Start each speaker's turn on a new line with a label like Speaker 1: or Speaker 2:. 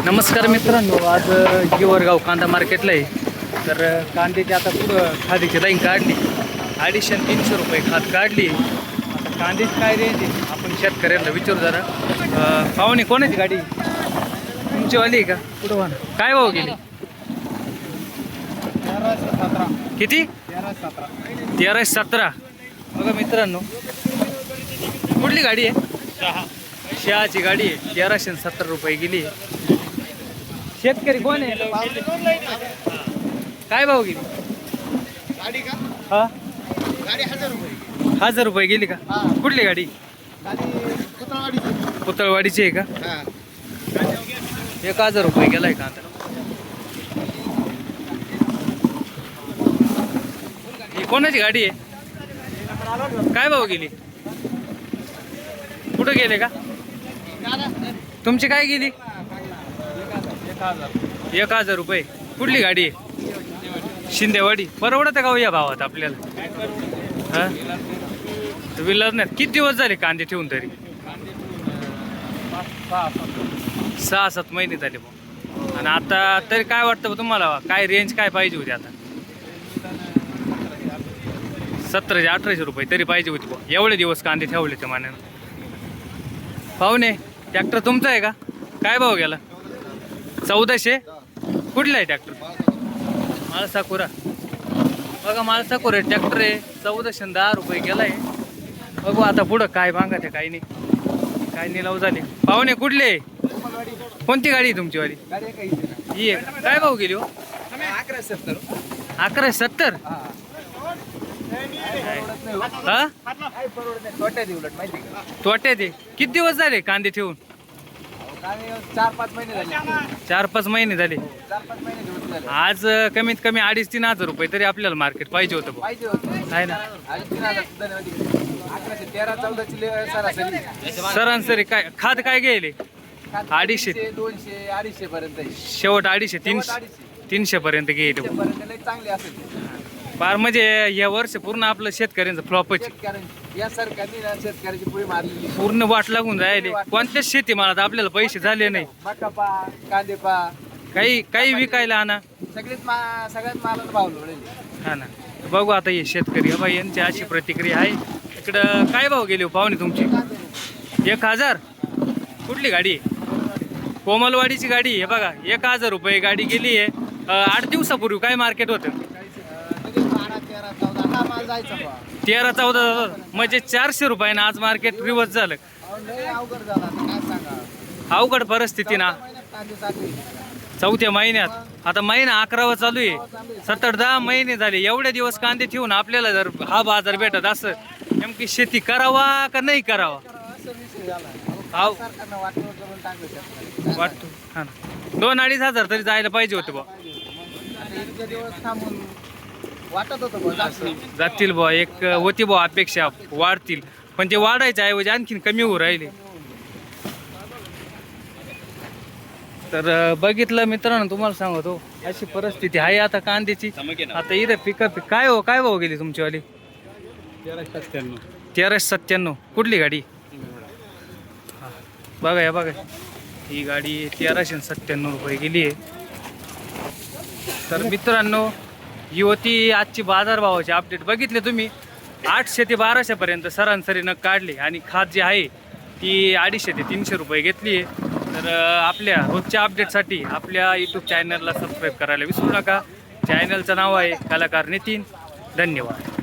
Speaker 1: नमस्कार मित्रांनो, आज गिवरगाव कांदा मार्केटला आहे. तर कांद्याची आता पुढं खादीची लाईन काढली, 250 आणि 300 रुपये खाद काढली. आता कांद्याची काय रेंज आहे आपण शेतकऱ्यांना विचारू जरा. पाहुणे कोणाची गाडी तुमचीवाली आहे का? पुढं व्हा ना. काय भाव गेली?
Speaker 2: 1317.
Speaker 1: किती?
Speaker 2: 1317.
Speaker 1: 1317. बघा मित्रांनो, कुठली गाडी आहे? शहाची गाडी आहे. 1370 रुपये गेली. शेतकरी कोण आहे? काय भाव गेली?
Speaker 2: गाडी का?
Speaker 1: हा,
Speaker 2: गाडी 1000 रुपये.
Speaker 1: 1000 रुपये गेली का?
Speaker 2: हा.
Speaker 1: कुठली गाडी?
Speaker 2: गाडी पुतळवाडीची.
Speaker 1: पुतळवाडीची आहे का?
Speaker 2: हा.
Speaker 1: 1000 रुपये गेलाय का आता? ही कोणाची गाडी आहे? काय भाव गेली? कुठं गेले का? तुमची काय गेली? 1000 रुपये. कुठली गाडी आहे? शिंदेवाडी. परवडत का हो या भावात आपल्याला? हा, विलाज नाही. किती दिवस झाले कांदे ठेवून तरी? 6-7 महिने झाले भाऊ. आणि आता तरी काय वाटतं तुम्हाला, काय रेंज काय पाहिजे होती आता? 1700-1800 रुपये तरी पाहिजे होती भाऊ. एवढे दिवस कांदे ठेवले त्या मानानं. पाहुणे, ट्रॅक्टर तुमचा आहे का? काय भाव गेला? 1400. कुठला आहे ट्रॅक्टर? माळसाकुरा. बघा, माळसाकुरा ट्रॅक्टर आहे. 1410 रुपये गेलाय. बघू आता पुढं काय मागा ते. काही नाही, काय निलाव झाले. पाहुणे कुठले? कोणती गाडी आहे तुमचीवाली?
Speaker 2: गाडी काही
Speaker 1: ही आहे का? काय भाव गेली हो?
Speaker 2: 1170.
Speaker 1: 1170. हा,
Speaker 2: काय परवडत नाही. तोट्यात उलट माहिती का?
Speaker 1: तोट्यात आहे. किती दिवस झाले कांदे ठेवून?
Speaker 2: गाडी 4-5 महिने झाले.
Speaker 1: 4-5 महिने झाले.
Speaker 2: 4-5 महिने दिवस झाले.
Speaker 1: आज कमीत कमी 2,500-3,000 रुपये तरी आपल्याला मार्केट पाहिजे होतं भाऊ.
Speaker 2: पाहिजे होतं.
Speaker 1: आहे ना?
Speaker 2: आणि 3000 सुद्धा नाही होती. 1113-14 सरासरी.
Speaker 1: सरासरी काय खाद काय गेले? 250.
Speaker 2: 200, 250 पर्यंत आहे.
Speaker 1: शेवट 250-300 300 पर्यंत गेले.
Speaker 2: पर्यंत लई चांगली असेल.
Speaker 1: फार म्हणजे या वर्ष पूर्ण आपलं शेतकऱ्यांचं फ्लॉपच.
Speaker 2: शेतकऱ्यांची या सरकारने ना शेतकऱ्याची पुढे मारलेली.
Speaker 1: पूर्ण वाट लागून राहिले. कोणत्याच शेतीमालात आपल्याला पैसे झाले नाही.
Speaker 2: मका पा, कांदे पा,
Speaker 1: काही विकायला आणा.
Speaker 2: सगळ्यात मालाला भाव लोळले.
Speaker 1: हा ना. बघू आता हे शेतकरी बाई यांची अशी प्रतिक्रिया आहे. इकडं काय भाव गेले हो पाहुणे तुमची? 1000. कुठली गाडी आहे? कोमलवाडीची गाडी आहे. बघा, 1000 रुपये गाडी गेली आहे. 8 दिवसापूर्वी काय मार्केट होतं?
Speaker 2: म्हणजे 12, 13, 14 हा माल जायचा बा.
Speaker 1: 13-14 म्हणजे 400 रुपयानं आज मार्केट रिवर्स झालं.
Speaker 2: लय अवघड झाला आता काय सांगा.
Speaker 1: अवघड परिस्थिती ना.
Speaker 2: कांदे चालू आहे.
Speaker 1: 4थ्या महिन्यात आता महिना 11वा चालू आहे. 7-10 महिने झाले. एवढे दिवस कांदे ठेवून आपल्याला जर हा बाजार भेटत असं, नेमकी शेती करावा का नाही करावा
Speaker 2: असं विषय झाला.
Speaker 1: हाव.
Speaker 2: सरकारनं वाटलं करून टाकलं शेतकऱ्याला.
Speaker 1: वाटतो. हा ना. 2-2,500 तरी जायला पाहिजे होते बा.
Speaker 2: आता इतके दिवस थांबून वाटत होतं बा जास्त.
Speaker 1: जातील बा. एक होती बा अपेक्षा वाढतील, पण ते वाढायच्या ऐवजी आणखीन कमी होऊ राहिले. तर बघितलं मित्रांनो, तुम्हाला सांगतो अशी परिस्थिती आहे आता कांद्याची. आता इथे पिकअप काय हो, काय भाव गेली तुमचीवाली?
Speaker 2: 1397.
Speaker 1: 1397. कुठली गाडी? हा. बघा या बघा, ही गाडी 1397 रुपये गेली आहे. तर मित्रांनो, ही होती आजची बाजारभावाची अपडेट. बघितले तुम्ही, 800 ते 1200 पर्यंत सरासरी नग काढले. आणि खाद जी आहे ती 250 ते 300 रुपये घेतली आहे. तर आपल्या रोजच्या अपडेटसाठी आपल्या यूट्यूब चॅनलला सबस्क्राईब करायला विसरू नका. चॅनलचं नाव आहे कलाकार नितीन. धन्यवाद.